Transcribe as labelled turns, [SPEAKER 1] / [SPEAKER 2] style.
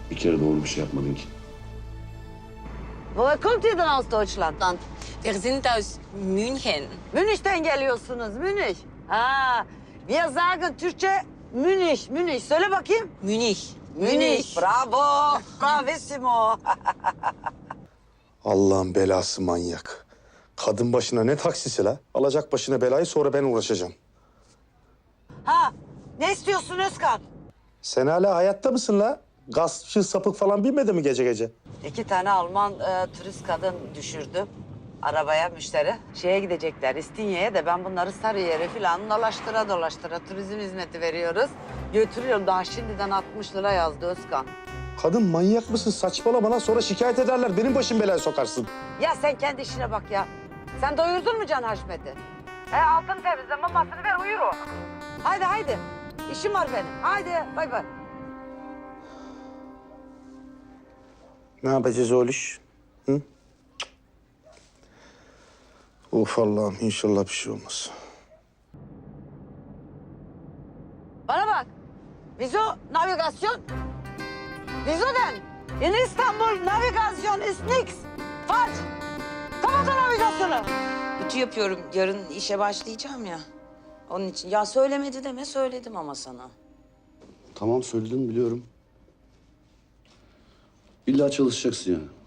[SPEAKER 1] Bir kere doğru bir şey yapmadın ki.
[SPEAKER 2] Woher kommt ihr denn aus Deutschland?
[SPEAKER 3] Land. Wir sind aus München.
[SPEAKER 2] Münih'ten geliyorsunuz, Münih. Ha, wir sagen Türkçe Münih, Münih. Söyle bakayım.
[SPEAKER 3] Münih.
[SPEAKER 2] Münih. Bravo, bravissimo.
[SPEAKER 4] Allah'ın belası manyak. Kadın başına ne taksisi la? Alacak başına belayı, sonra ben uğraşacağım.
[SPEAKER 2] Ha, ne istiyorsun Özkan?
[SPEAKER 4] Sen hala hayatta mısın la? Gaspçı, sapık falan bilmedi mi gece gece?
[SPEAKER 2] 2 tane Alman turist kadın düşürdüm. Arabaya müşteri. Şeye gidecekler, İstinye'ye de ben bunları Sarıyer'e falan dolaştıra turizm hizmeti veriyoruz. Götürüyorum, daha şimdiden 60 lira yazdı Özkan.
[SPEAKER 4] Kadın manyak mısın? Saçmalama lan, sonra şikayet ederler. Benim başım belaya sokarsın.
[SPEAKER 2] Ya sen kendi işine bak ya. Sen doyurdun mu Can Haşmet'i? Altın temizle, mamasını ver, uyur o. Haydi. İşim var benim. Haydi, bay bay.
[SPEAKER 4] Ne yapacağız oğluş? Hı? Of Allah'ım, inşallah bir şey olmaz.
[SPEAKER 2] Bana bak. Wieso navigasyon? Wieso denn? In İstanbul navigasyon ist nix. Falsch. Kapat o navigasyonu.
[SPEAKER 3] Ütü yapıyorum. Yarın işe başlayacağım ya. Onun için. Ya söylemedi deme, söyledim ama sana.
[SPEAKER 1] Tamam söyledin biliyorum. İlla çalışacaksın yani.